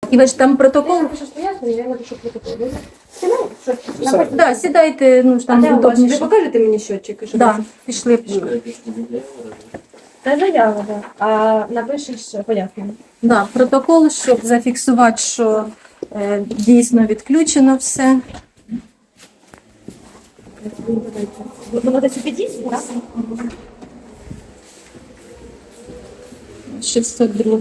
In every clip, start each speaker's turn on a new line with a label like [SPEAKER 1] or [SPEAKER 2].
[SPEAKER 1] І ви ж там протокол?
[SPEAKER 2] Я напишу протокол.
[SPEAKER 1] Да, сідайте, ну ж там
[SPEAKER 2] Ви
[SPEAKER 1] удобніше.
[SPEAKER 2] покажете мені счетчик?
[SPEAKER 1] Да, пішли.
[SPEAKER 2] Це заява, да. А напишеш пояснення.
[SPEAKER 1] Да, протокол, щоб зафіксувати, що дійсно відключено все.
[SPEAKER 2] Воно десь у під'їзді, так?
[SPEAKER 1] 602.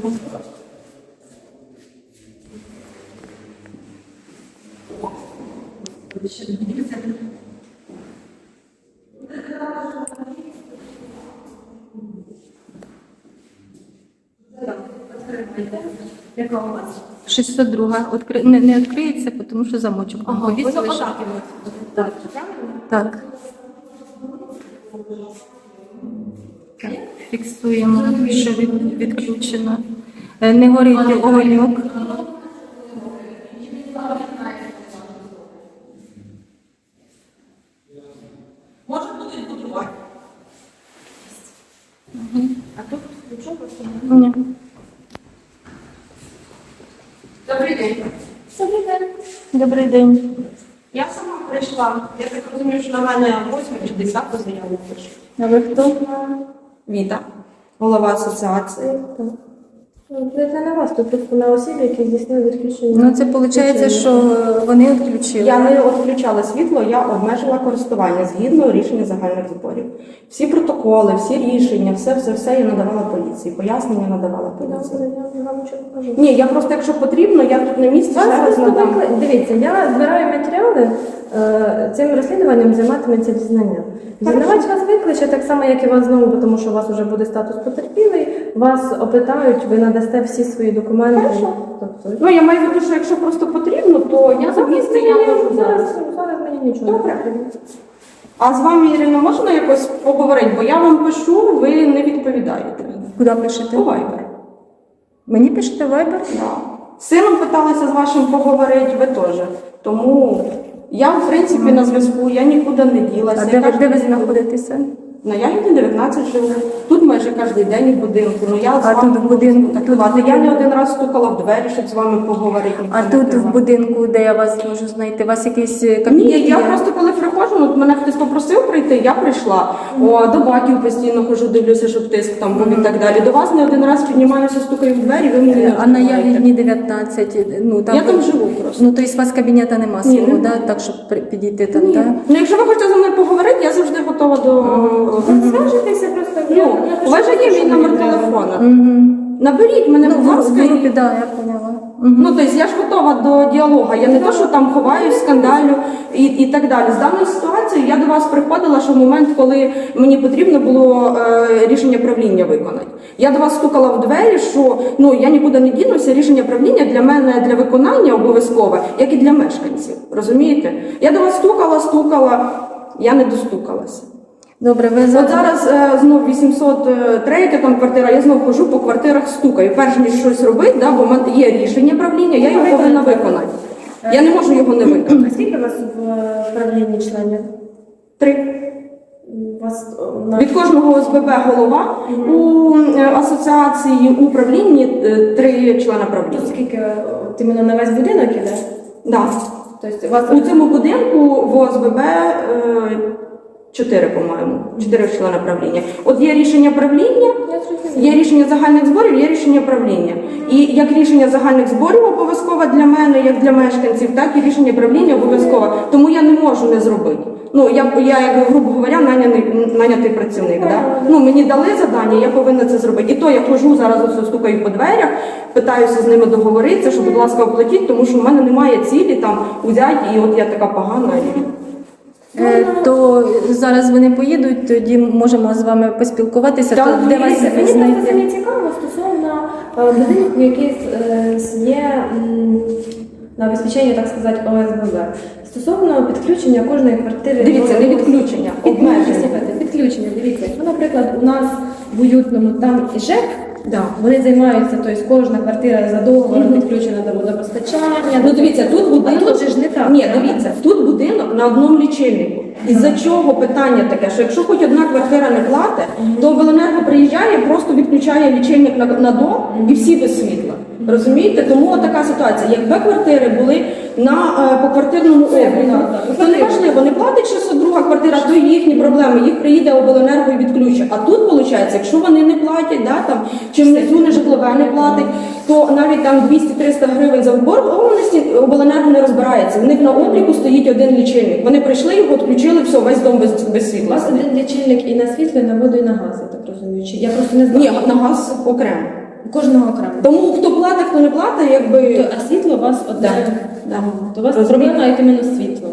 [SPEAKER 2] Яка у вас?
[SPEAKER 1] 602. Не відкриється, тому що замочок там
[SPEAKER 2] Воно
[SPEAKER 1] повісили.
[SPEAKER 2] отак. Так.
[SPEAKER 1] Так. Так, фіксуємо, що відключено. Не горить огоньок.
[SPEAKER 3] Може будуть будувати.
[SPEAKER 2] А тут нічого?
[SPEAKER 1] Ні.
[SPEAKER 3] Добрий день.
[SPEAKER 1] Добрий день.
[SPEAKER 3] Я сама прийшла. Я так розумію, що на мене 8 чи 10 заяву пишуть.
[SPEAKER 1] А ви хто?
[SPEAKER 3] Віта, голова асоціації.
[SPEAKER 2] Це не вас, тут просто на осіб, які здійснили відключення.
[SPEAKER 1] Ну, це виходить, що вони відключили.
[SPEAKER 3] Я не відключала світло, я обмежила користування згідно рішення загальних зборів. Всі протоколи, всі рішення, все я надавала поліції. Пояснення надавала поліції.
[SPEAKER 2] Я вам нічого не кажу.
[SPEAKER 3] Ні, я просто, якщо потрібно, я тут на місці ще раз надам.
[SPEAKER 2] Дивіться, я збираю матеріали, цим розслідуванням займатиметься дізнання. Дізнавач вас викличе, так само, як і вас знову, тому що у вас вже буде статус потерпілий, вас опитають, ви надасте всі свої документи.
[SPEAKER 3] Хорошо.
[SPEAKER 2] Тобто,
[SPEAKER 3] Ну, я маю в виду, що якщо просто потрібно, то я за місце, я можу зараз.
[SPEAKER 2] зараз мені нічого.
[SPEAKER 3] Добре. А з вами, Ірина, можна якось поговорити? Бо я вам пишу, ви не відповідаєте.
[SPEAKER 1] Куди пишете?
[SPEAKER 3] По Viber.
[SPEAKER 1] Мені пишете Viber?
[SPEAKER 3] Да. З сином питалася з вашим поговорити, ви теж. Тому я, в принципі, на зв'язку, я нікуди не ділася.
[SPEAKER 1] А де ви знаходитеся?
[SPEAKER 3] На Ягідні 19 живу. Тут майже кожен день в будинку. Ну, я з
[SPEAKER 1] А
[SPEAKER 3] вами
[SPEAKER 1] тут в будинку?
[SPEAKER 3] контактувати. Я не один раз стукала в двері, щоб з вами поговорити.
[SPEAKER 1] А
[SPEAKER 3] ніхто не
[SPEAKER 1] тут в
[SPEAKER 3] тривав.
[SPEAKER 1] будинку, де я вас можу знайти? У вас якийсь
[SPEAKER 3] Ні,
[SPEAKER 1] кабінет
[SPEAKER 3] я
[SPEAKER 1] є?
[SPEAKER 3] просто коли приходжу, от мене хтось попросив прийти, я прийшла. До батьків постійно хожу, дивлюся, щоб тиск там був і так далі. До вас не один раз піднімаюся, стукаю в двері, ви мені не
[SPEAKER 1] А на
[SPEAKER 3] відповідаєте.
[SPEAKER 1] Ягідні 19, ну там...
[SPEAKER 3] Я там живу просто.
[SPEAKER 1] Ну, тобто у вас кабінета нема
[SPEAKER 3] Ні,
[SPEAKER 1] свого,
[SPEAKER 3] нема.
[SPEAKER 1] да? Так, щоб підійти там,
[SPEAKER 3] Ні.
[SPEAKER 1] так?
[SPEAKER 3] Ну, якщо ви хочете зі мною поговорити, я завжди готова до...
[SPEAKER 2] Зв'яжетеся просто.
[SPEAKER 3] Ну, у вас же є мій номер телефона.
[SPEAKER 1] Угу.
[SPEAKER 3] Наберіть мене, будь
[SPEAKER 1] Ну,
[SPEAKER 3] ласка.
[SPEAKER 1] в групі, да, я поняла.
[SPEAKER 3] Ну, тобто я ж готова до діалогу. Я не то, що там ховаюсь, скандалю і так далі. З даною ситуацією я до вас приходила, що в момент, коли мені потрібно було рішення правління виконати. Я до вас стукала в двері, що ну, я нікуди не дінуся, рішення правління для мене для виконання обов'язкове, як і для мешканців. Розумієте? Я до вас стукала, я не достукалася.
[SPEAKER 1] Добре, ви
[SPEAKER 3] От
[SPEAKER 1] зараз...
[SPEAKER 3] зараз знов 803 там квартира, я знов хожу по квартирах, стукаю. Перш ніж щось робити, да, бо в мене є рішення правління, я його повинна виконати. Я не можу його не виконати.
[SPEAKER 2] А скільки у вас в правлінні членів?
[SPEAKER 3] 3.
[SPEAKER 2] У вас
[SPEAKER 3] Від кожного ОСББ голова, у асоціації управлінні 3 члена правління.
[SPEAKER 2] скільки іменно на весь будинок іде?
[SPEAKER 3] Да.
[SPEAKER 2] Тобто у вас
[SPEAKER 3] У цьому будинку в ОСББ 4, по-моєму, 4 члени правління. От є рішення правління, є рішення загальних зборів, є рішення правління. І як рішення загальних зборів обов'язкове для мене, як для мешканців, так і рішення правління обов'язкове. Тому я не можу не зробити. Ну, я як, грубо говоря, нанятий працівник. Да? Ну, мені дали завдання, я повинна це зробити. І то я хожу, зараз ось стукаю по дверях, питаюся з ними договоритися, що, будь ласка, оплатіть, тому що в мене немає цілі там взяти, і от я така погана.
[SPEAKER 1] То зараз вони поїдуть, тоді можемо з вами поспілкуватися.
[SPEAKER 3] Так,
[SPEAKER 1] То де вас
[SPEAKER 2] Мені просто
[SPEAKER 1] знайти?
[SPEAKER 2] самі цікаво стосовно будинку, який є на обезпечення, так сказати, ОСББ. Стосовно підключення кожної квартири.
[SPEAKER 3] Дивіться, не відключення, обмеження.
[SPEAKER 2] Підключення, дивіться. Якщо, наприклад, у нас в уютному там і ЖЕК,
[SPEAKER 3] Да.
[SPEAKER 2] вони займаються, тобто кожна квартира за договором підключена до водопостачання.
[SPEAKER 3] Ну дивіться, тут будинок.
[SPEAKER 2] А тут же ж не так.
[SPEAKER 3] Ні, дивіться, тут будинок на одному лічильнику. Із-за чого питання таке, що якщо хоч одна квартира не платить, то обленерго приїжджає, просто відключає лічильник на дом і всі без світла. Розумієте? Тому така ситуація. Якби квартири були на поквартирному обліку, то не важливо, не платить 602 квартира, то їхні проблеми, їх приїде обленерго і відключить. А тут, виходить, якщо вони не платять, да, там, чи внизу не житлове не платить, то навіть там 200-300 гривень за заборгованості обленерго не розбирається. В них на обліку стоїть один лічильник. Вони прийшли, його відключили, все, весь дом без
[SPEAKER 2] У
[SPEAKER 3] світла.
[SPEAKER 2] вас один лічильник і на світло, і на воду, і на газ, я так розумію. Чи я просто не знаю.
[SPEAKER 3] Ні, на газ окремо.
[SPEAKER 2] Кожного окремо.
[SPEAKER 3] Тому хто платить, хто не платить, якби...
[SPEAKER 2] А світло у вас одне.
[SPEAKER 3] Да.
[SPEAKER 2] То у вас
[SPEAKER 3] Розумієте?
[SPEAKER 2] проблема як іменно з світлом.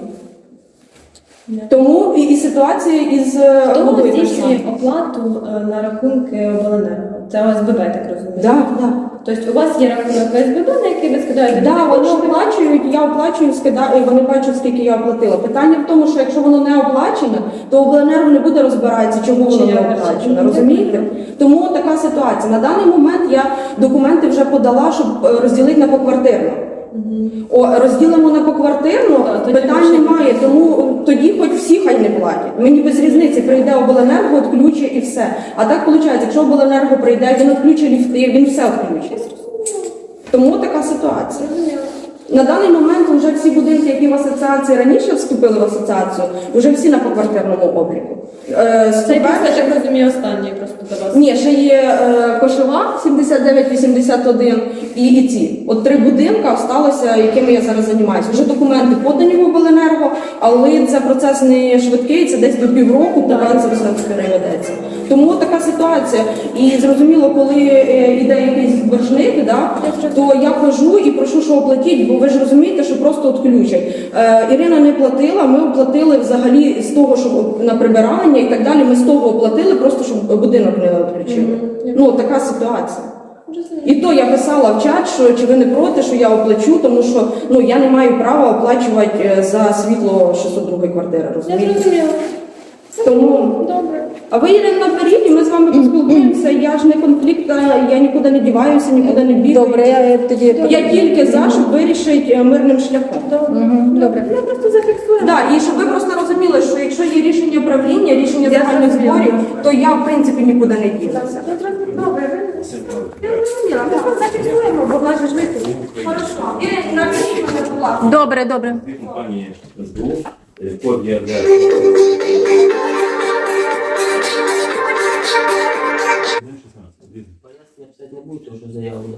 [SPEAKER 3] Тому і ситуація із
[SPEAKER 2] Хто
[SPEAKER 3] водою
[SPEAKER 2] здійснює
[SPEAKER 3] прийшла.
[SPEAKER 2] оплату на рахунки обленерго? Це ОСББ, так розумію?
[SPEAKER 3] Так, так.
[SPEAKER 2] Тобто у вас є рахунок ОСББ, на який ви скидаєте?
[SPEAKER 3] Да, вони
[SPEAKER 2] кошти?
[SPEAKER 3] оплачують, я оплачую, скидаю, і вони бачать, скільки я оплатила. Питання в тому, що якщо воно не оплачено, то обленерго не буде розбиратися, чому воно не оплачено. Розумієте? Тому така ситуація. На даний момент я документи вже подала, щоб розділити на поквартирно. Розділимо на поквартирну,
[SPEAKER 2] тоді
[SPEAKER 3] питань
[SPEAKER 2] вже
[SPEAKER 3] немає, тому тоді хоч всі хай не платять. Мені без різниці, прийде обленерго, відключить і все. А так виходить, якщо обленерго прийде, він відключить ліфти, він все відключить. Тому така ситуація. На даний момент вже всі будинки, які в асоціації раніше вступили в асоціацію, вже всі на поквартирному обліку.
[SPEAKER 2] Це після, я так розумію, останній просто до вас.
[SPEAKER 3] Ні, ще є Кошова 7981 і ці. От 3 будинки залишилися, якими я зараз займаюся. Вже документи подані в обленерго, але це процес не швидкий, це десь до півроку, поки це все переведеться. Тому така ситуація. І зрозуміло, коли йде якийсь боржник, да, то я хожу і прошу, що оплатіть, бо ви ж розумієте, що просто відключать. Ірина не платила, ми оплатили взагалі з того, що на прибирання і так далі, ми з того оплатили, просто щоб будинок не відключили. Ну, така ситуація. І то я писала в чат, що чи ви не проти, що я оплачу, тому що я не маю права оплачувати за світло 602 квартири,
[SPEAKER 2] Я
[SPEAKER 3] розумієте?
[SPEAKER 2] зрозуміла.
[SPEAKER 3] Тому...
[SPEAKER 2] Добре.
[SPEAKER 3] А ви, Ірина, наперед, і ми з вами поспілкуємося, я ж не конфліктна, я нікуди не діваюся, нікуди не бігаю.
[SPEAKER 1] Добре, я тоді...
[SPEAKER 3] Я тільки за, щоб вирішити мирним шляхом.
[SPEAKER 1] Добре.
[SPEAKER 2] Ми просто зафіксуємо.
[SPEAKER 3] Так, і щоб ви просто розуміли, що якщо є рішення правління, рішення загальних зборів, то я, в принципі, нікуди не дінуся.
[SPEAKER 2] Добре.
[SPEAKER 3] Я зрозуміла, ми просто зафіксуємо, бо в нас же ж вихід. Хорошо. Ірина, напишіть мене, будь ласка.
[SPEAKER 1] Добре, добре.
[SPEAKER 4] Дві компанії СБУ, код ЄРДР.
[SPEAKER 5] Пояснення писати не буду, тому що заявлено.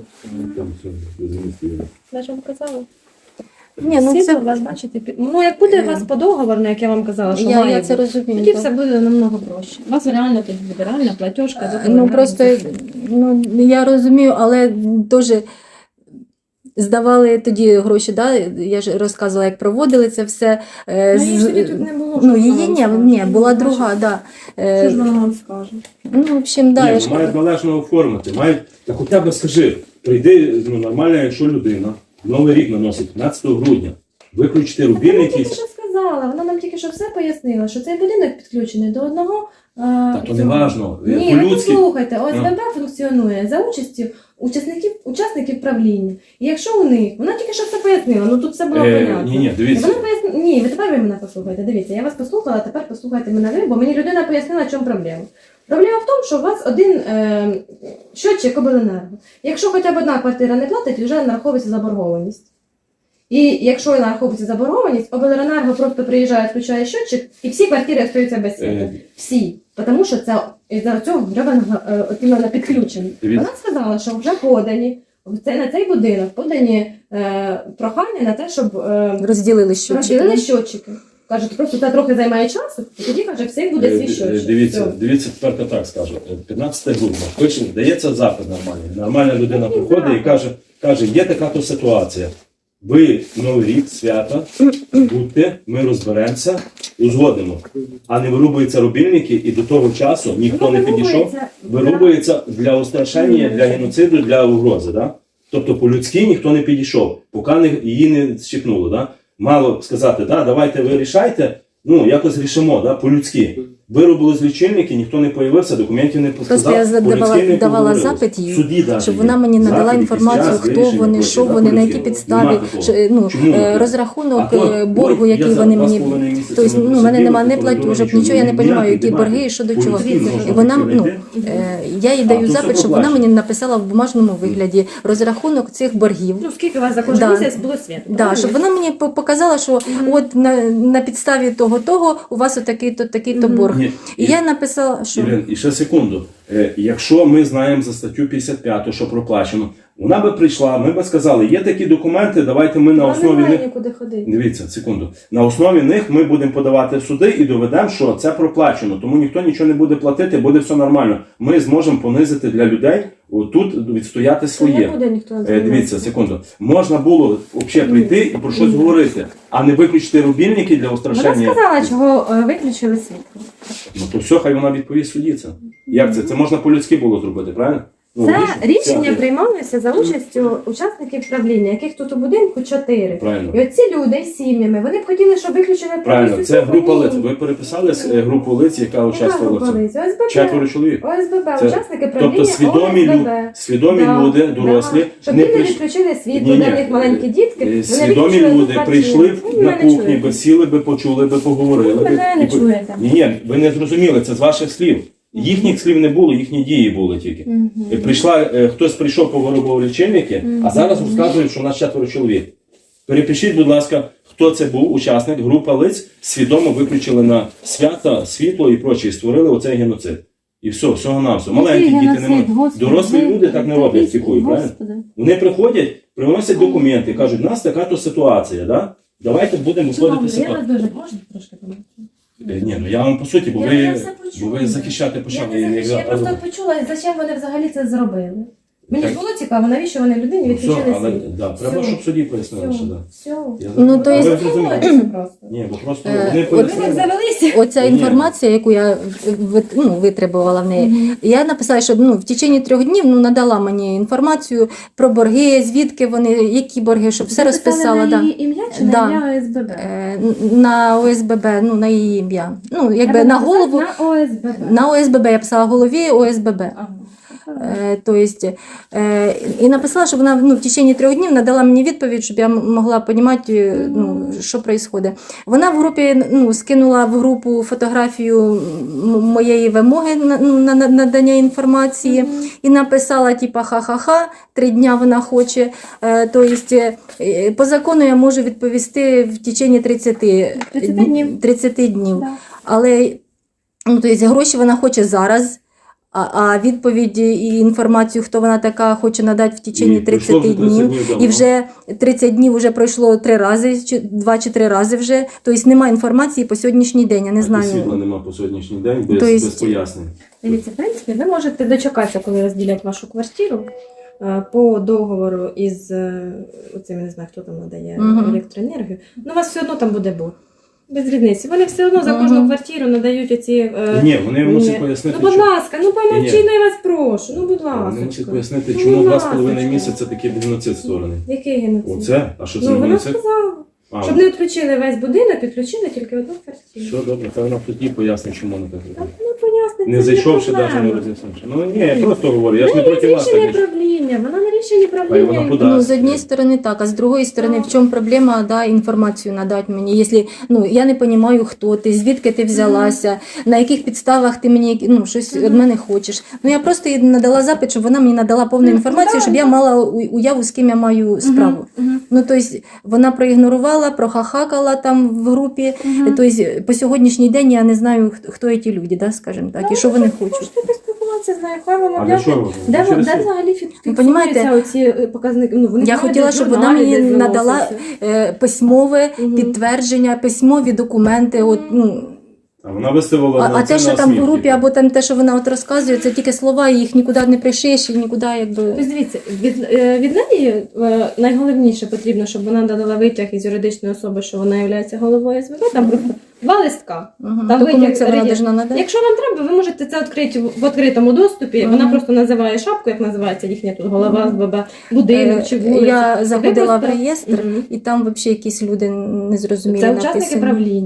[SPEAKER 2] Я ж вам казала.
[SPEAKER 1] Ні, ну
[SPEAKER 2] Всі
[SPEAKER 1] це...
[SPEAKER 2] у вас, бачите, як буде у вас по договору, як я вам казала, що
[SPEAKER 1] Я
[SPEAKER 2] має
[SPEAKER 1] це
[SPEAKER 2] бути,
[SPEAKER 1] розумію,
[SPEAKER 2] тоді
[SPEAKER 1] так.
[SPEAKER 2] все буде намного проще. У вас реально тоді буде реальна платіжка.
[SPEAKER 1] Ну просто я розумію, але теж здавали тоді гроші, да? Я ж розказувала, як проводили це все.
[SPEAKER 2] її ж тоді тут не було,
[SPEAKER 1] Ну,
[SPEAKER 2] що
[SPEAKER 1] її
[SPEAKER 2] вона вам
[SPEAKER 1] ні,
[SPEAKER 2] скаже.
[SPEAKER 1] була
[SPEAKER 2] Ну,
[SPEAKER 1] друга, да.
[SPEAKER 2] Що ж вона вам скаже?
[SPEAKER 1] Ну, в общем, да, я ж...
[SPEAKER 4] Мають належно оформити. Мають, та хоча б скажи, прийди, нормально, якщо людина Новий рік наносить 15 грудня, виключити
[SPEAKER 2] Вона
[SPEAKER 4] рубільники.
[SPEAKER 2] тільки що сказала, вона нам тільки що все пояснила, що цей будинок підключений до одного...
[SPEAKER 4] Та то не важно.
[SPEAKER 2] Ні, ви
[SPEAKER 4] По-людськи.
[SPEAKER 2] послухайте, ОСББ функціонує за участю учасників правління. І якщо у них, вона тільки що все пояснила, ну тут все було понятно.
[SPEAKER 4] Ні, дивіться.
[SPEAKER 2] Вона пояснила, ні, ви тепер ви мене послухайте, дивіться, я вас послухала, тепер послухайте мене ви, бо мені людина пояснила, в чому проблема. Проблема в тому, що у вас один щотчик обленерго. Якщо хоча б одна квартира не платить, вже нараховується заборгованість. І якщо нараховується заборгованість, обленерго просто приїжджає, включає щотчик, і всі квартири остаються без світла. Всі. Тому що це із-за цього іменно підключені.
[SPEAKER 4] Дивіться.
[SPEAKER 2] Вона сказала, що вже подані на цей будинок подані прохання на те, щоб
[SPEAKER 1] розділили щочики.
[SPEAKER 2] розділили щотчики. Кажуть, просто це трохи займає часу, і тоді, каже, всіх буде свій щотчик.
[SPEAKER 4] Дивіться, тепер так скажу. 15 грудня. Хоч дається запит нормальний. Нормальна людина приходить і каже, є така то ситуація. Ви Новий рік, свята, будьте, ми розберемося, узгодимо. А не вирубуються рубільники, і до того часу ніхто не підійшов. Вирубується для устрашення, для геноциду, для угрози. Да? Тобто по-людськи ніхто не підійшов, поки її не зчіпнуло. Да? Мало сказати, да, давайте ви рішайте, якось рішимо, да, по-людськи. Виробили лічильники, ніхто не появився, документів не
[SPEAKER 1] Просто
[SPEAKER 4] показав.
[SPEAKER 1] я
[SPEAKER 4] по-людськи не
[SPEAKER 1] давала
[SPEAKER 4] поговорили.
[SPEAKER 1] запит їй,
[SPEAKER 4] Суді даже
[SPEAKER 1] щоб
[SPEAKER 4] є.
[SPEAKER 1] вона мені надала
[SPEAKER 4] Запит,
[SPEAKER 1] інформацію,
[SPEAKER 4] якийсь час,
[SPEAKER 1] хто
[SPEAKER 4] вирішення
[SPEAKER 1] вони,
[SPEAKER 4] пройти,
[SPEAKER 1] що
[SPEAKER 4] да,
[SPEAKER 1] вони, на якій
[SPEAKER 4] по-людськи.
[SPEAKER 1] підставі,
[SPEAKER 4] Нема такого.
[SPEAKER 1] що,
[SPEAKER 4] Чому не
[SPEAKER 1] розрахунок
[SPEAKER 4] А то,
[SPEAKER 1] боргу,
[SPEAKER 4] ой,
[SPEAKER 1] який
[SPEAKER 4] я за
[SPEAKER 1] вони
[SPEAKER 4] 2,5
[SPEAKER 1] мені.
[SPEAKER 4] місяці
[SPEAKER 1] Тобто,
[SPEAKER 4] не
[SPEAKER 1] ну, в мене
[SPEAKER 4] просидів,
[SPEAKER 1] немає не
[SPEAKER 4] прокуратура
[SPEAKER 1] платіжок,
[SPEAKER 4] нічого
[SPEAKER 1] нічого, я не
[SPEAKER 4] не
[SPEAKER 1] розумію,
[SPEAKER 4] діяти,
[SPEAKER 1] які
[SPEAKER 4] немає.
[SPEAKER 1] борги і що до чого.
[SPEAKER 4] По-людськи можна
[SPEAKER 1] І вона,
[SPEAKER 4] прийти.
[SPEAKER 1] я їй
[SPEAKER 4] А,
[SPEAKER 1] даю
[SPEAKER 4] то все
[SPEAKER 1] запит, щоб вона
[SPEAKER 4] проплачено.
[SPEAKER 1] мені написала в бумажному вигляді розрахунок цих боргів.
[SPEAKER 2] Ну, скільки у вас за кожен
[SPEAKER 1] Да.
[SPEAKER 2] місяць було світ?
[SPEAKER 1] Да, щоб вона мені показала, що от на підставі того у вас отакий-то, такий-то борг.
[SPEAKER 4] Ні,
[SPEAKER 1] І я написала, що
[SPEAKER 4] Ірин, і ще секунду. Якщо ми знаємо за статтю 55, що проплачено, вона би прийшла, ми би сказали, є такі документи, давайте ми на
[SPEAKER 2] Вона
[SPEAKER 4] основі
[SPEAKER 2] не має
[SPEAKER 4] них.
[SPEAKER 2] нікуди ходити.
[SPEAKER 4] Дивіться, секунду. На основі них ми будемо подавати в суди і доведемо, що це проплачено. Тому ніхто нічого не буде платити, буде все нормально. Ми зможемо понизити для людей тут відстояти
[SPEAKER 2] Не
[SPEAKER 4] своє.
[SPEAKER 2] буде ніхто
[SPEAKER 4] Дивіться, секунду. Можна було взагалі прийти і про щось говорити, а не виключити рубільники для
[SPEAKER 2] Вона
[SPEAKER 4] устрашення.
[SPEAKER 2] сказала, чого виключили світло.
[SPEAKER 4] Ну то все, хай вона відповість судді це. Як це? Це можна по-людськи було зробити, правильно? Ну,
[SPEAKER 2] Це
[SPEAKER 4] логічно.
[SPEAKER 2] рішення
[SPEAKER 4] Все.
[SPEAKER 2] приймалося за участю учасників правління, яких тут у будинку 4.
[SPEAKER 4] Правильно.
[SPEAKER 2] І оці люди з сім'ями, вони б хотіли, щоб виключили
[SPEAKER 4] Правильно,
[SPEAKER 2] повністю
[SPEAKER 4] це
[SPEAKER 2] світло.
[SPEAKER 4] група
[SPEAKER 2] Ні.
[SPEAKER 4] лиць. Ви переписали групу лиць, яка
[SPEAKER 2] Яка
[SPEAKER 4] участвувала в
[SPEAKER 2] група
[SPEAKER 4] цьому?
[SPEAKER 2] лиць? ОСББ.
[SPEAKER 4] 4 чоловік.
[SPEAKER 2] ОСББ,
[SPEAKER 4] Це-
[SPEAKER 2] учасники правління
[SPEAKER 4] Тобто
[SPEAKER 2] ОСББ.
[SPEAKER 4] свідомі
[SPEAKER 2] Да,
[SPEAKER 4] люди, дорослі,
[SPEAKER 2] да. Щоб
[SPEAKER 4] не
[SPEAKER 2] діти
[SPEAKER 4] прийшли.
[SPEAKER 2] відключили світло,
[SPEAKER 4] Ні-ні.
[SPEAKER 2] де в них маленькі дітки, вони
[SPEAKER 4] Свідомі
[SPEAKER 2] виключили
[SPEAKER 4] люди
[SPEAKER 2] квартиру.
[SPEAKER 4] прийшли
[SPEAKER 2] Ви
[SPEAKER 4] на
[SPEAKER 2] мене
[SPEAKER 4] кухні,
[SPEAKER 2] чуєте.
[SPEAKER 4] би сіли, би почули, би поговорили.
[SPEAKER 2] Ви мене не чуєте.
[SPEAKER 4] Ні, ви не зрозуміли, це з ваших слів. Їхніх слів не було, їхні дії були тільки. Хтось прийшов, повиробив лічильники, а зараз розказують, що у нас 4 чоловік. Перепишіть, будь ласка, хто це був, учасник, група лиць, свідомо виключили на свята, світло і прочі, і створили оцей геноцид. І все, всього-навсього. Маленькі діти не можуть. Дорослі люди так не роблять, тікують, правильно? Вони приходять, приносять документи, кажуть, у нас така-то ситуація, да? Давайте будемо виходити з ситуації.
[SPEAKER 2] дуже можна трошки помогти?
[SPEAKER 4] Ні, ну я вам по суті, бо
[SPEAKER 2] Я
[SPEAKER 4] ви,
[SPEAKER 2] все почула.
[SPEAKER 4] бо ви захищати
[SPEAKER 2] Я
[SPEAKER 4] почали.
[SPEAKER 2] не захищаю, я просто почула, зачем вони взагалі це зробили. Мені ж
[SPEAKER 4] Так.
[SPEAKER 2] було цікаво, навіщо вони людині
[SPEAKER 4] Ну,
[SPEAKER 2] відключили
[SPEAKER 4] все, але
[SPEAKER 2] світло.
[SPEAKER 4] да, треба,
[SPEAKER 2] Все.
[SPEAKER 4] щоб судді пояснили, що да.
[SPEAKER 2] Все.
[SPEAKER 4] Я
[SPEAKER 1] Ну, то
[SPEAKER 4] А
[SPEAKER 1] есть-
[SPEAKER 4] ви зрозуміли?
[SPEAKER 2] Це просто.
[SPEAKER 4] Ні, бо просто
[SPEAKER 1] Е,
[SPEAKER 4] вони
[SPEAKER 1] от
[SPEAKER 2] Ви як
[SPEAKER 4] пояснили.
[SPEAKER 2] завелися?
[SPEAKER 1] оця
[SPEAKER 4] Ні.
[SPEAKER 1] інформація, яку я витребувала в неї, я написала, що в течение 3 днів надала мені інформацію про борги, звідки вони, які борги, щоб все розписала.
[SPEAKER 2] На
[SPEAKER 1] Да.
[SPEAKER 2] її ім'я чи
[SPEAKER 1] Да.
[SPEAKER 2] на ім'я ОСББ?
[SPEAKER 1] На ОСББ, на її ім'я. Ну, якби
[SPEAKER 2] Треба
[SPEAKER 1] на
[SPEAKER 2] написати
[SPEAKER 1] голову.
[SPEAKER 2] На ОСББ.
[SPEAKER 1] На ОСББ я писала голові ОСББ.
[SPEAKER 2] Ага.
[SPEAKER 1] То есть, і написала, що вона в течение 3 днів надала мені відповідь, щоб я могла розуміти, що відбувається. Вона в групі скинула в групу фотографію моєї вимоги на надання інформації і написала, типа, ха-ха-ха, 3 дня вона хоче. То есть, по закону я можу відповісти в течение 30
[SPEAKER 2] днів.
[SPEAKER 1] 30 днів.
[SPEAKER 2] Да.
[SPEAKER 1] Але то есть, гроші вона хоче зараз. А відповідь і інформацію, хто вона така, хоче надати в течение
[SPEAKER 4] І пройшло
[SPEAKER 1] 30
[SPEAKER 4] вже 30
[SPEAKER 1] днів.
[SPEAKER 4] днів давно.
[SPEAKER 1] І вже 30 днів вже пройшло 3 рази, 2 чи 3 рази вже. Тобто немає інформації по сьогоднішній день, я не
[SPEAKER 4] Світла
[SPEAKER 1] знаю.
[SPEAKER 4] нема по сьогоднішній день, без,
[SPEAKER 1] То есть-
[SPEAKER 4] без пояснень.
[SPEAKER 2] Дивіться, в принципі, ви можете дочекатися, коли розділять вашу квартиру по договору із оцим, я не знаю, хто там надає
[SPEAKER 1] Мгм.
[SPEAKER 2] електроенергію. Ну, у вас все одно там буде борг. Без різниці. Вони все одно за кожну
[SPEAKER 1] Мгм.
[SPEAKER 2] квартиру надають оці.
[SPEAKER 4] Ні, вони мусять
[SPEAKER 2] ні.
[SPEAKER 4] пояснити,
[SPEAKER 2] Ну, будь
[SPEAKER 4] чому-
[SPEAKER 2] ласка, ну помовчи,
[SPEAKER 4] Ні.
[SPEAKER 2] ну я вас прошу. Ну, будь
[SPEAKER 4] Вони
[SPEAKER 2] ласка.
[SPEAKER 4] мусять пояснити,
[SPEAKER 2] Ну,
[SPEAKER 4] чому
[SPEAKER 2] будь
[SPEAKER 4] 2,5
[SPEAKER 2] ласочка.
[SPEAKER 4] місяця такий геноцид створений.
[SPEAKER 2] Який геноцид?
[SPEAKER 4] Оце? А що це
[SPEAKER 2] Ну,
[SPEAKER 4] за
[SPEAKER 2] вона
[SPEAKER 4] геноцид?
[SPEAKER 2] сказала.
[SPEAKER 4] А,
[SPEAKER 2] Щоб не відключили весь будинок, відключили тільки одну квартиру.
[SPEAKER 4] все добре, та вона тоді пояснить, чому вона так
[SPEAKER 2] Так,
[SPEAKER 4] робить.
[SPEAKER 2] ну пояснить.
[SPEAKER 4] Не
[SPEAKER 2] це ж
[SPEAKER 4] зайшовши,
[SPEAKER 2] проблема.
[SPEAKER 4] навіть не роз'яснивши. Ну ні, я просто говорю, я ж не проти вас.
[SPEAKER 2] Рішення
[SPEAKER 4] конечно.
[SPEAKER 2] правління, вона не рішення
[SPEAKER 4] вона
[SPEAKER 2] правління.
[SPEAKER 4] куди?
[SPEAKER 1] Ну, з однієї сторони так, а з другої сторони, в чому проблема, інформацію надати мені. Якщо, я не розумію, хто ти, звідки ти взялася, на яких підставах ти мені, щось від мене хочеш. Я просто їй надала запит, щоб вона мені надала повну інформацію, щоб я мала уяву, з ким я маю справу. Тобто, вона проігнорувала, прохахакала там в групі. Тобто, по сьогоднішній день я не знаю, хто ці люди, скажімо так, і що вони хочуть.
[SPEAKER 2] Можете поспілкуватися з нею, хай вам
[SPEAKER 4] А для
[SPEAKER 2] об'яснить.
[SPEAKER 4] чого?
[SPEAKER 2] Де
[SPEAKER 4] Через
[SPEAKER 2] де
[SPEAKER 4] суд?
[SPEAKER 2] взагалі
[SPEAKER 1] понімаєте,
[SPEAKER 2] фіксуються оці показники? Ну, вони
[SPEAKER 1] Я
[SPEAKER 2] знають,
[SPEAKER 1] хотіла,
[SPEAKER 2] де
[SPEAKER 1] щоб вона
[SPEAKER 2] журналі,
[SPEAKER 1] мені
[SPEAKER 2] де
[SPEAKER 1] надала
[SPEAKER 2] заносяться.
[SPEAKER 1] письмове
[SPEAKER 2] Мгм.
[SPEAKER 1] підтвердження, письмові документи.
[SPEAKER 4] А вона виставила
[SPEAKER 1] А
[SPEAKER 4] на
[SPEAKER 1] те,
[SPEAKER 4] це
[SPEAKER 1] що
[SPEAKER 4] на
[SPEAKER 1] там в
[SPEAKER 4] смітник.
[SPEAKER 1] групі, або там те, що вона розказує, це тільки слова, і їх нікуди не пришиєш, і нікуди якби.
[SPEAKER 2] Тобто, дивіться, від неї найголовніше потрібно, щоб вона дала витяг із юридичної особи, що вона є головою СВБ, там просто 2 листка.
[SPEAKER 1] Мгм.
[SPEAKER 2] Там
[SPEAKER 1] Документ
[SPEAKER 2] витяг
[SPEAKER 1] це вона
[SPEAKER 2] реєстр.
[SPEAKER 1] должна надати.
[SPEAKER 2] Якщо вам треба, ви можете це відкрити в відкритому доступі.
[SPEAKER 1] Мгм.
[SPEAKER 2] Вона просто називає шапку, як називається їхня тут голова СББ, будинок чи вулиця.
[SPEAKER 1] Я заходила в
[SPEAKER 2] просто-
[SPEAKER 1] реєстр,
[SPEAKER 2] Мгм.
[SPEAKER 1] і там взагалі якісь люди незрозумілі
[SPEAKER 2] Це учасники
[SPEAKER 1] написані.
[SPEAKER 2] правління.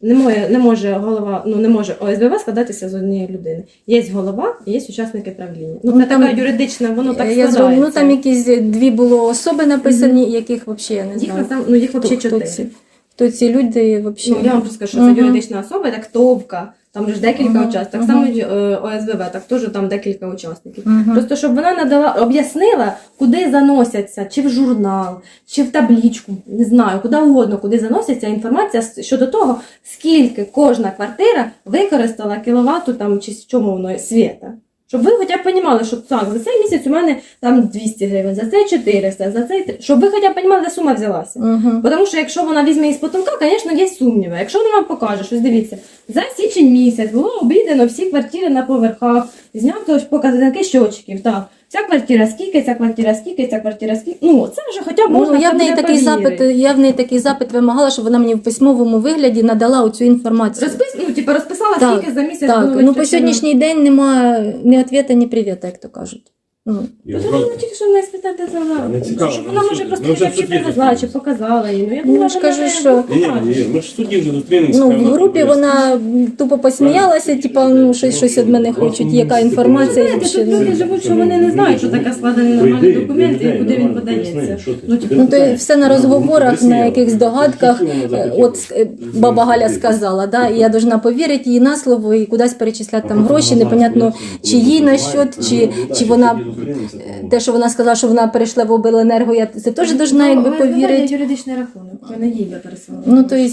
[SPEAKER 2] не може голова, не може ОСББ складатися з однієї людини. Є голова і є учасники правління.
[SPEAKER 1] Ну,
[SPEAKER 2] Це
[SPEAKER 1] там,
[SPEAKER 2] така юридична, воно так
[SPEAKER 1] я
[SPEAKER 2] складається.
[SPEAKER 1] там якісь 2 було особи написані, яких взагалі я не знаю.
[SPEAKER 2] Їх взагалі 4.
[SPEAKER 1] Хто ці люди взагалі?
[SPEAKER 2] Я вам просто скажу, що це юридична особа, так ТОВКа, там же ж декілька учасників. Так само ОСББ, так теж там декілька учасників. Просто щоб вона об'яснила, куди заносяться, чи в журнал, чи в табличку, не знаю, куди угодно, куди заноситься інформація щодо того, скільки кожна квартира використала кіловату там, чи з чому воно світа. Щоб ви хоча б розуміли, що так, за цей місяць у мене там 200 гривень, за цей 400, за цей... Щоб ви хоча б розуміли, де сума взялася. Тому що якщо вона візьме із потолка, звісно, є сумніви. Якщо вона вам покаже, щось дивіться, за січень місяць було обійдено всі квартири на поверхах, знято показники щочків, так. Ця квартира скільки, ця квартира скільки, ця квартира скільки. Це вже хоча б можна
[SPEAKER 1] я в неї такий запит вимагала, щоб вона мені в письмовому вигляді надала оцю інформацію.
[SPEAKER 2] Розписала,
[SPEAKER 1] так,
[SPEAKER 2] скільки за місяць
[SPEAKER 1] так.
[SPEAKER 2] було
[SPEAKER 1] По
[SPEAKER 2] витрачено.
[SPEAKER 1] сьогоднішній день немає ні відповіді, ні привіта, як то кажуть.
[SPEAKER 2] Тому тільки що в неї спитати
[SPEAKER 4] не цікаво.
[SPEAKER 2] щоб вона може просто
[SPEAKER 4] Ми вже
[SPEAKER 2] чи
[SPEAKER 4] в суді
[SPEAKER 2] привезла, чи
[SPEAKER 4] зустрілися.
[SPEAKER 2] показала їй. Я
[SPEAKER 1] Ну,
[SPEAKER 2] думала,
[SPEAKER 1] ж
[SPEAKER 2] вона
[SPEAKER 1] кажу,
[SPEAKER 2] не
[SPEAKER 1] що-
[SPEAKER 2] покаже.
[SPEAKER 4] Ми ж в суді вже зустрінемося.
[SPEAKER 1] В групі вона тупо посміялася, типа, щось від мене хочуть, яка інформація.
[SPEAKER 2] Знаєте, тут люди живуть, що вони не знають, що таке складений нормальний документ і куди він подається.
[SPEAKER 1] То все на розговорах, на якихось догадках. От баба Галя сказала, да, і я должна повірити їй на слово і кудись перечисляти там гроші, непонятно, чи їй на счет, чи вона, те, що вона сказала, що вона перейшла в обленерго, я це теж должна якби повірити.
[SPEAKER 2] Юридичний рахунок, ви не їй пересилали.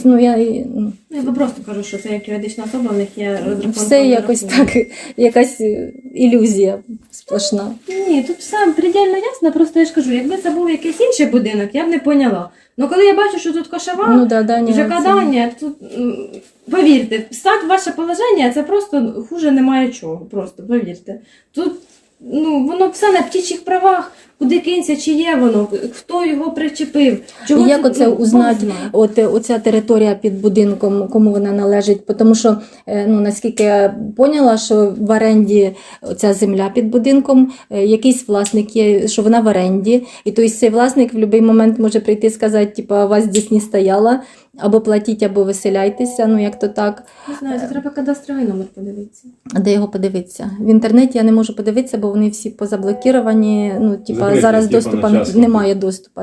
[SPEAKER 1] Я
[SPEAKER 2] Я просто кажу, що це як юридична особа, в них є розрахунок.
[SPEAKER 1] все якось так, якась ілюзія сплошна.
[SPEAKER 2] Ні, тут все предельно ясно, просто я ж кажу, якби це був якийсь інший будинок, я б не поняла. Ну коли я бачу, що тут кошова,
[SPEAKER 1] Даня,
[SPEAKER 2] ЖК-дання, тут, повірте, стать ваше положення, це просто хуже немає чого, просто повірте. Тут, воно все на птічих правах, куди кинься, чи є воно, хто його причепив.
[SPEAKER 1] І як оце узнати, оця територія під будинком, кому вона належить? Тому що, наскільки я поняла, що в оренді ця земля під будинком, якийсь власник є, що вона в оренді, і тобто цей власник в будь-який момент може прийти і сказати, типу, вас здесь не стояла, або платіть, або виселяйтеся, як то так.
[SPEAKER 2] Не знаю, це треба кадастровий номер подивитися.
[SPEAKER 1] А де його подивитися? В інтернеті я не можу подивитися, бо вони всі позаблокіровані,
[SPEAKER 4] Закриті,
[SPEAKER 1] зараз
[SPEAKER 4] типу,
[SPEAKER 1] доступу
[SPEAKER 4] на час.
[SPEAKER 1] немає доступу,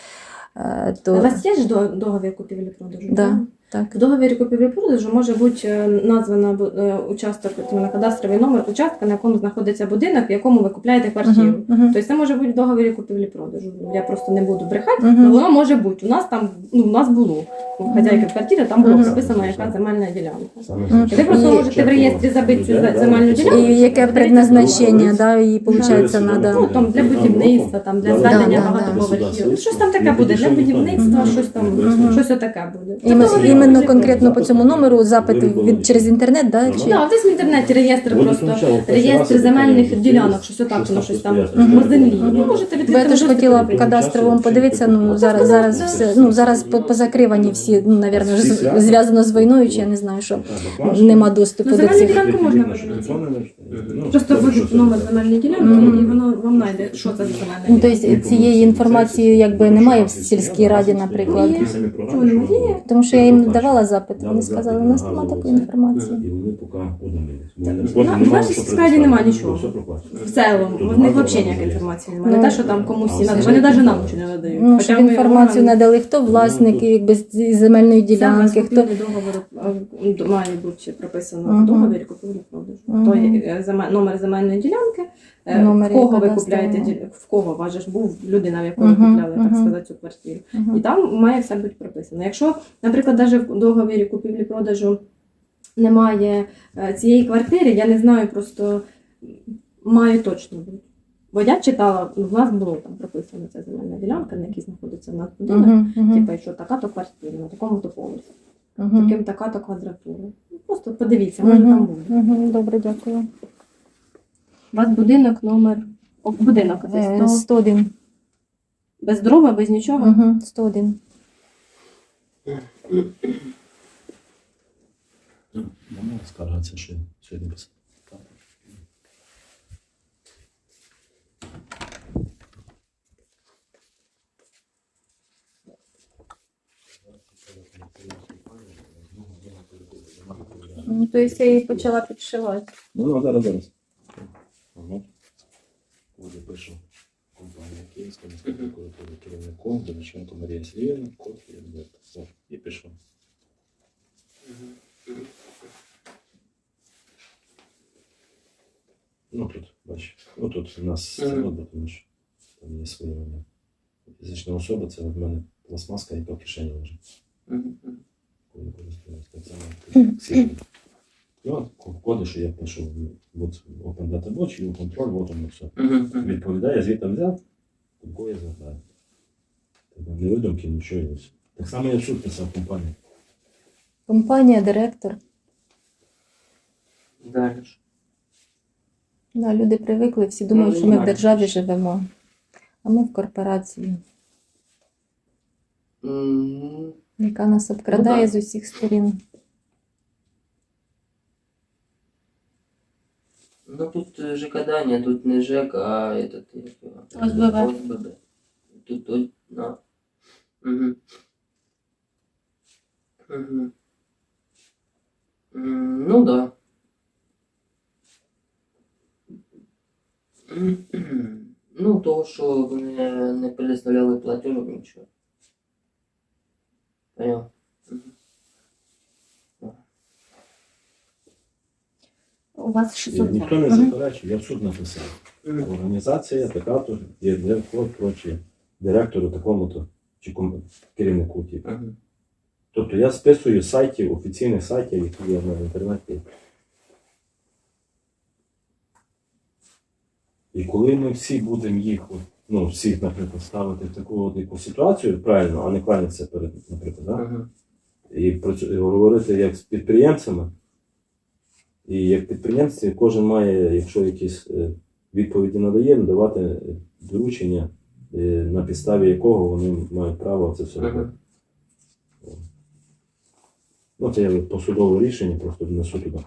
[SPEAKER 1] то...
[SPEAKER 2] У вас є ж договір купівлі-продажу?
[SPEAKER 1] Да, так.
[SPEAKER 2] В договірі купівлі-продажу може бути названа участок, на кадастровий номер участка, на якому знаходиться будинок, в якому ви купляєте квартиру. Тобто це може бути в договорі купівлі-продажу. Я просто не буду брехати, але воно може бути. У нас там, у нас було. У хазяйки квартири там було прописано, яка земельна ділянка. І ви просто можете в реєстрі забити цю земельну ділянку.
[SPEAKER 1] І яке предназначення, да, і виходить, треба.
[SPEAKER 2] Там для будівництва, там для зведення багатоповерхів. Щось там таке буде, для будівництва, щось отаке буде.
[SPEAKER 1] Іменно конкретно по цьому номеру запит через інтернет, да? Чи?
[SPEAKER 2] Так, десь в інтернеті реєстр просто, реєстр земельних ділянок, щось отак, воно щось там по землі. Ви можете
[SPEAKER 1] Бо
[SPEAKER 2] відкрити.
[SPEAKER 1] я теж хотіла в кадастровому подивитися, зараз все, зараз позакривані всі, напевно, зв'язано з війною, чи я не знаю, що нема доступу до
[SPEAKER 2] Земельну
[SPEAKER 1] цих.
[SPEAKER 2] ділянку можна подивитися. Просто вводить номер земельної ділянки, і воно вам знайде, що це за земельна ділянка.
[SPEAKER 1] Тобто цієї інформації якби немає в сільській раді, наприклад.
[SPEAKER 2] Чому немає?
[SPEAKER 1] Тому що я їм давала запит, вони сказали, у нас немає такої інформації.
[SPEAKER 6] І вони поки удалились.
[SPEAKER 2] В нашій сільській немає нічого. В цілому, в них взагалі ніякої інформації немає. Не те, що там комусь надо, вони навіть нам нічого не надають.
[SPEAKER 1] Ну, щоб інформацію надали, хто власник якби, з земельної ділянки, хто...
[SPEAKER 2] Договор має бути прописано в договорі купівлі-продажу. То є номер земельної ділянки,
[SPEAKER 1] Номер
[SPEAKER 2] в кого ви
[SPEAKER 1] кадастрового.
[SPEAKER 2] купляєте, в кого у вас же ж був людина, в якої ви купляли, так сказати, цю квартиру. І там має все бути прописано. Якщо, наприклад, навіть в договорі купівлі-продажу немає цієї квартири, я не знаю, просто має точно бути. Бо я читала, в нас було там прописано ця земельна ділянка, на якій знаходиться в нас будинок, типу, що така-то квартира, на такому-то поверсі, таким така-то квадратура. Просто подивіться, може там буде.
[SPEAKER 1] Добре, дякую.
[SPEAKER 2] У вас будинок номер... Будинок це
[SPEAKER 1] 101.
[SPEAKER 2] без дрова, без нічого?
[SPEAKER 1] 101.
[SPEAKER 4] Можна скаржатися, що сьогодні писати.
[SPEAKER 1] Ну, то есть я її почала підшивати.
[SPEAKER 6] Ну, зараз. Ага. Коли пишу компанія Київська міська прокуратура керівником, Доміченко Марія Сергіївна, код Альберта. Все, і пишу. Ну тут, бачиш, ну тут у нас це робить, тому що там є свої вони. Фізична особа, це в мене пластмаска, яка в кишені лежить. Коли користуюсь, так само як всі. І от коди, що я пишу, от Open Data Watch, і контроль, от воно все. Відповідає, звідти взяв, такого я звертаю. Не видумки, нічого. І все. Так само я в суд писав компанію.
[SPEAKER 1] Компанія, директор.
[SPEAKER 5] Далі ж.
[SPEAKER 1] Да, люди привикли, всі думають, що ми в державі живемо, а ми в корпорації, яка нас обкрадає з усіх сторін.
[SPEAKER 5] Ну тут ЖК-дання, тут не ЖЕК, а этот...
[SPEAKER 1] ОСББ.
[SPEAKER 5] ОСББ. Тут, на. Угу. Угу. Ну да. Ну, того, що вони не предоставляли платежок, нічого. Понял.
[SPEAKER 1] У вас
[SPEAKER 6] І
[SPEAKER 1] 600.
[SPEAKER 6] ніхто не заперечує, я в суд написав. Організація, така-то, є код, прочі, директору такому-то, чи керівнику, типу. Тобто я списую з сайтів, офіційних сайтів, які є в інтернеті. І коли ми всі будемо їх, ну, всіх, наприклад, ставити в таку от яку ситуацію, правильно, а не кланятися перед, наприклад, да? І говорити як з підприємцями, і як підприємці кожен має, якщо якісь відповіді надає, надавати доручення, на підставі якого вони мають право це все робити. Ну, це є посудове рішення, просто внесу туди.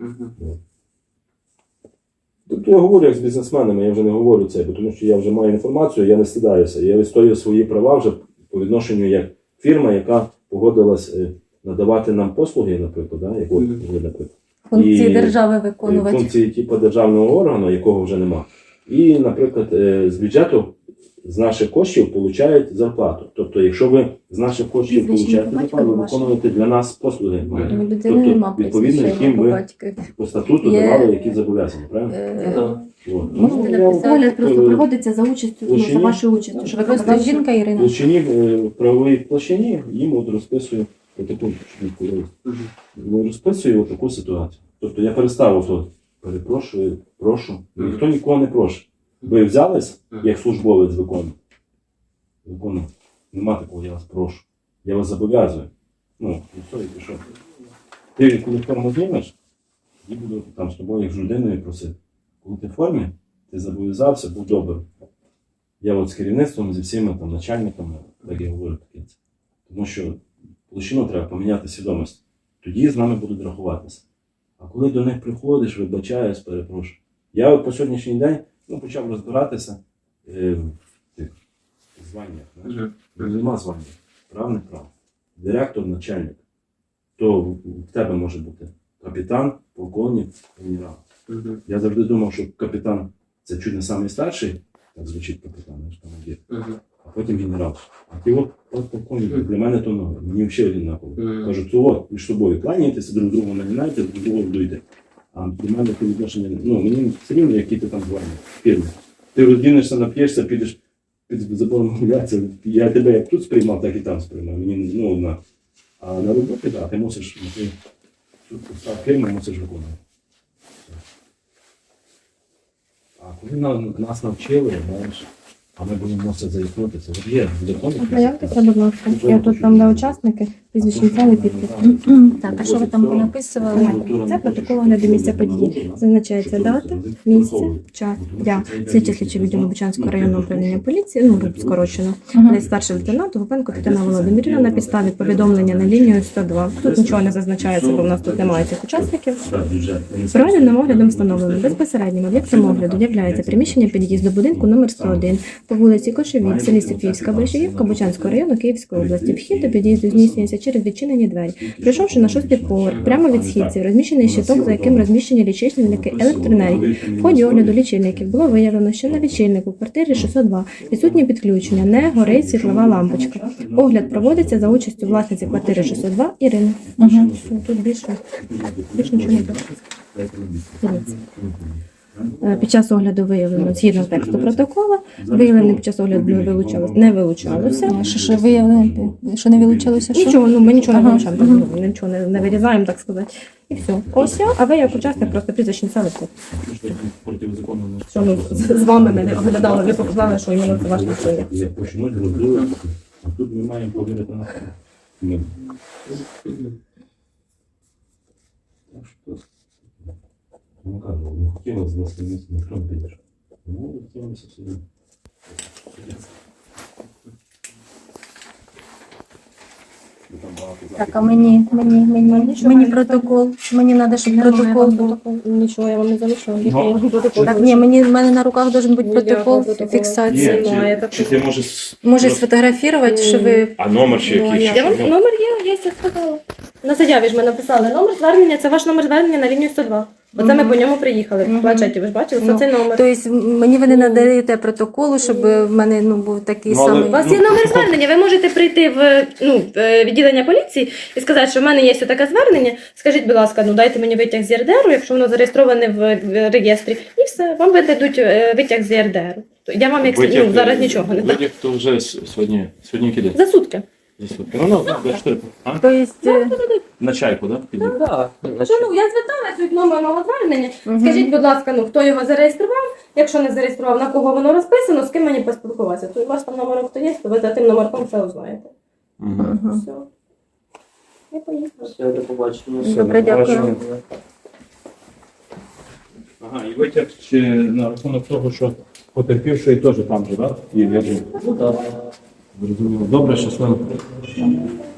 [SPEAKER 6] Тобто я говорю як з бізнесменами, я вже не говорю це, тому що я вже маю інформацію, я не стидаюся. Я відстоюю свої права вже по відношенню як фірма, яка погодилась надавати нам послуги, наприклад, да, яку, наприклад.
[SPEAKER 1] Функції держави виконувати.
[SPEAKER 6] Функції типу державного органу, якого вже нема. І, наприклад, з бюджету, з наших коштів получають зарплату. Тобто, якщо ви з наших коштів получаєте зарплату, ви виконуєте для нас послуги. Тобто, відповідно, яким ви по статуту давали які зобов'язання, правильно?
[SPEAKER 1] Можете написати.
[SPEAKER 2] Огляд просто проводиться за участю, ну, за вашою участю. Що ви
[SPEAKER 1] Просто
[SPEAKER 2] просто
[SPEAKER 1] жінка
[SPEAKER 6] В
[SPEAKER 1] Ірина.
[SPEAKER 6] площині, в правовій площині їм от розписую таку розписую таку ситуацію. Тобто я перестав ото, перепрошую, прошу. Ніхто нікого не просить. Ви взялись, як службовець виконує. Нема такого, я вас прошу. Я вас зобов'язую. Ну, і все, і пішов. Ти коли форму знімеш, і буду там з тобою як з людиною просити. Коли ти в формі, ти зобов'язався, будь добрий. Я от з керівництвом, зі всіма там начальниками, так я говорю таке. Тому що площину треба поміняти свідомість. Тоді з нами будуть рахуватися. А коли до них приходиш, вибачаюсь, перепрошую. Я от по сьогоднішній день почав розбиратися в тих званнях. Нема звання. Прав, не прав. Директор, начальник. То в тебе може бути капітан, полковник, генерал. Я завжди думав, що капітан це чуть не самий старший, так звучить капітан, командир, а потім генерал. А ти от полковник, для мене то нове. Мені взагалі однаково. Кажуть, то от між собою кланяйтеся, друг другу намінайте, друг другу вдуйте. А для мене це відношення, мені все рівно, які ти там звані, фірми. Ти роздінешся, нап'єшся, підеш під забором гуляться. Я тебе як тут сприймав, так і там сприймав. Мені, однаково. А на роботі, так, ти мусиш, ти фірму мусиш виконувати. А коли нас навчили, знаєш, а ми будемо мусити заїкнутися. От є закони.
[SPEAKER 2] Заявтеся, будь ласка. Я тут там, де учасники, прізвищні цілий підпис.
[SPEAKER 1] Так, а що ви там понаписували?
[SPEAKER 2] Це протокол огляду місця події. Зазначається дата, місце, час. Я слідчий слідчий відділу Бучанського районного управління поліції, скорочено. Старший лейтенант Гупенко Тетяна Володимирівна на підставі повідомлення на лінію 102. Тут нічого не зазначається, бо в нас тут немає цих учасників. Проведеним оглядом встановлено. Безпосереднім об'єктом огляду являється приміщення під'їзду будинку номер 101 по вулиці Кошевій, в селі Софіївська, Большевівка, Бучанського району Київської області. Вхід до під'їзду здійснюється через відчинені двері. Прийшовши на 6-й поверх, прямо від східців, розміщений щиток, за яким розміщені лічильники електроенергії. В ході огляду лічильників було виявлено, що на лічильнику в квартирі 602 відсутнє підключення, не горить світлова лампочка. Огляд проводиться за участю власниці квартири 602 Ірини. Все, тут більше нічого не пише. Дивіться. Під час огляду виявлено, згідно тексту протоколу, виявлене під час огляду не вилучалося.
[SPEAKER 1] Що виявили, що не вилучалося? Що?
[SPEAKER 2] Нічого, ми нічого не вилучаємо, нічого не вирізаємо, так сказати. І все. Ось, а ви як учасник просто прізвищ не ставите.
[SPEAKER 6] Протизаконно не
[SPEAKER 2] Що ну, з вами ми не оглядали, ви показали, що іменно це ваш лічильник.
[SPEAKER 6] Почнуть робили, а тут ми маємо повірити на це. Так що, ну кажу, не хотіла з вас місця, ніхто не підеш. Ну, хотілося собі.
[SPEAKER 1] Так, а мені протокол. Мені треба, щоб протокол був.
[SPEAKER 2] Нічого, я вам не залишила.
[SPEAKER 1] Так, ні, в мене на руках должен бути протокол фіксації.
[SPEAKER 6] Чи ти можеш...
[SPEAKER 1] Може сфотографувати, що ви...
[SPEAKER 6] А номер чи який?
[SPEAKER 2] Я вам номер є, я сказала. На заяві ж ми написали номер звернення, це ваш номер звернення на лінію 102. Оце ми по ньому приїхали. В планшеті ви ж бачили, це цей номер.
[SPEAKER 1] Тобто мені ви не надаєте протоколу, щоб в мене був такий
[SPEAKER 6] Ну, але-
[SPEAKER 1] самий...
[SPEAKER 2] У вас є номер звернення, ви можете прийти в відділення поліції і сказати, що в мене є таке звернення. Скажіть, будь ласка, дайте мені витяг з ЄРДРу, якщо воно зареєстроване в реєстрі, і все, вам видадуть витяг з ЄРДРу. Я вам зараз нічого не дам.
[SPEAKER 6] Витяг то вже сьогодні киде?
[SPEAKER 2] За сутки.
[SPEAKER 6] За сутки. Ну, до 4. А?
[SPEAKER 1] Тобто,
[SPEAKER 6] На чайку, так? Да?
[SPEAKER 5] Так,
[SPEAKER 2] Що, я зверталась від номерного звернення. Скажіть, будь ласка, хто його зареєстрував? Якщо не зареєстрував, на кого воно розписано, з ким мені поспілкуватися. То у вас там номер хто є, то ви за тим номерком все узнаєте. Все. Я поїхала.
[SPEAKER 5] Все, до побачення.
[SPEAKER 1] Добре, дякую.
[SPEAKER 6] Ага, і витяг ще на рахунок того, що потерпівший теж там же, так? І я ж
[SPEAKER 5] Ну так.
[SPEAKER 6] зрозуміло. Добре, щасливо.